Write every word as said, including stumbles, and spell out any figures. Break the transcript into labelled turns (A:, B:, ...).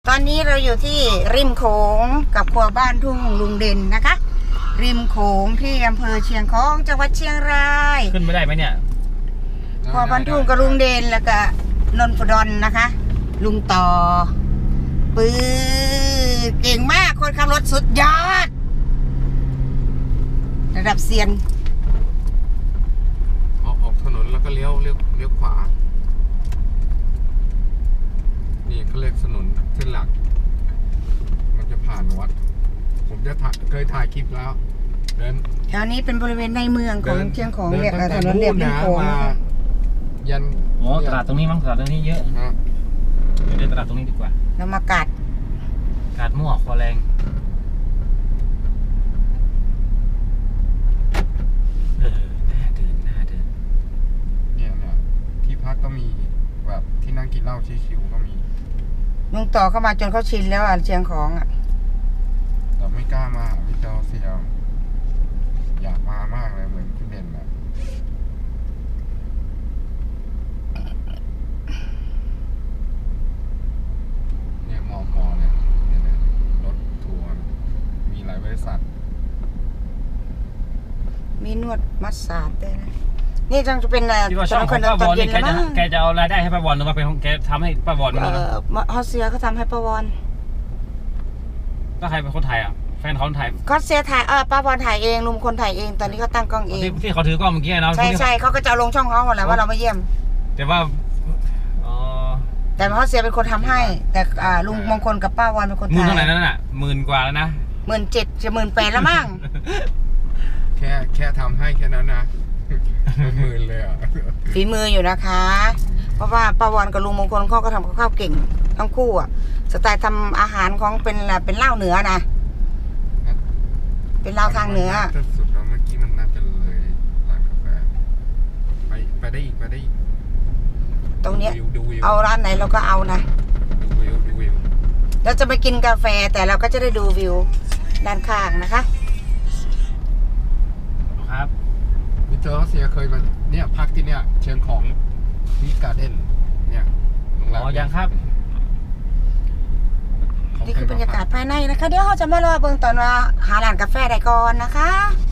A: ตอนนี้เราอยู่ที่ริมโขงกับครัวบ้านทุ่งลุงเด่นนะคะ ริมโขงที่อำเภอเชียงของจังหวัดเชียงราย
B: ขึ้นไม่ได้ไหมเนี่ย
A: ครัวบ้านทุ่งกับลุงเด่นแล้วก็นนทดลนะคะ ลุงต่อปื้อเก่งมากคนขับรถสุดยอดระดับเซียน
C: ออกออกถนนแล้วก็เลี้ยวเลี้ยวเลี้ยวขวานี่เขาเรียกถนนเส้นหลักมันจะผ่านวัดผมจะถ่ายเคยถ่ายคลิปแล้วเดิน
A: แถวนี้เป็นบริเวณในเมืองของเชียงของเรียกถนนเรียบริมโขง
C: ยัน
B: อ๋อตลาดตรงนี้มั้งตลาดตรงนี้เยอะเดี๋ยวเดินตลาดตรงนี้ดีกว่า
A: เรามากัด
B: กัดมั่วคอแรงเออน่าเดินน่าเดิน
C: เนี่ยเนี่ยที่พักก็มีแบบที่นั่งกินเหล้าชิวๆก็มี
A: ลุงต่อเข้ามาจนเขาชินแล้วอ่ะเชียงของอ่ะ
C: แต่ไม่กล้ามาพี่เจ้าเสียวอยากมามากเลยเหมือนคุณเด่นอะเนี่ยมอมอเนี่ยเนี่ยรถทัวร์มีหลายบริษัท
A: มีนวดมัสซาจด้วยนะนี่จังจะเป็นอะไร
B: ที่ว่าช่องของป้าบอลนี่แกจะแกจะเอารายได้ให้ป้าบอลหรือว่าเป็นของแกทำให้ป้าบอล
A: เออฮอสเซียเขาทำให้ป้าบอล
B: ก็ใครเป็นคนถ่ายอ่ะแฟนเขาถ่าย
A: ฮอสเซียถ่ายเออป้าบอลถ่ายเองลุงคนถ่ายเองตอนนี้เขาตั้งกล้องเอง
B: ที่เขาถือกล้องเมื่อกี้เนาะ
A: ใช่ใช่เขาก็จะลงช่องเขาหมดแล้วว่าเรามาเยี่ยม
B: แต่ว่าอ๋อ
A: แต่ฮอสเซียเป็นคนทำให้แต่อ่าลุงมงคลกับป้าบอลเป็นคนถ่าย
B: หมื่นเท่าไหร่นั่นน่ะหมื่นกว่าแล้วนะ
A: หมื่นเจ็ดจะหมื่นแปดแล้วมั้ง
C: แค่แค่ทำให้แค่นั้นนะเป็นหมื่นเลยอ่ะ
A: ฝีมืออยู่นะคะเพราะว่าป้าบอลกับลุงมงคลเขาก็ทำกับข้าวเก่งทั้งคู่อ่ะสไตล์ทำอาหารของเป็นเป็นเหล้าเหนือนะเป็นเหล้าทางเหนือ
C: สุดแล้วเมื่อกี้มันน่าจะเลยร้านกาแฟไปไปได้อีกไปได้อีก
A: ตรงเนี้ยเอาร้านไหนเราก็เอานะ
C: ดูวิวดูวิว
A: เราจะไปกินกาแฟแต่เราก็จะได้ดูวิวด้านข้างนะคะ
B: ครับ
C: มิสเตอร์รัสเซียเคยมาเนี่ยพักที่เนี่ยเชียงของนี่การ์เด้นเนี่ยโรงแรม
B: อ๋อยังครับ
A: นี่คือบรรยากาศภายในนะคะเดี๋ยวเราจะมารอเบิ่งตอนว่าหาร้านกาแฟได้ก่อนนะคะ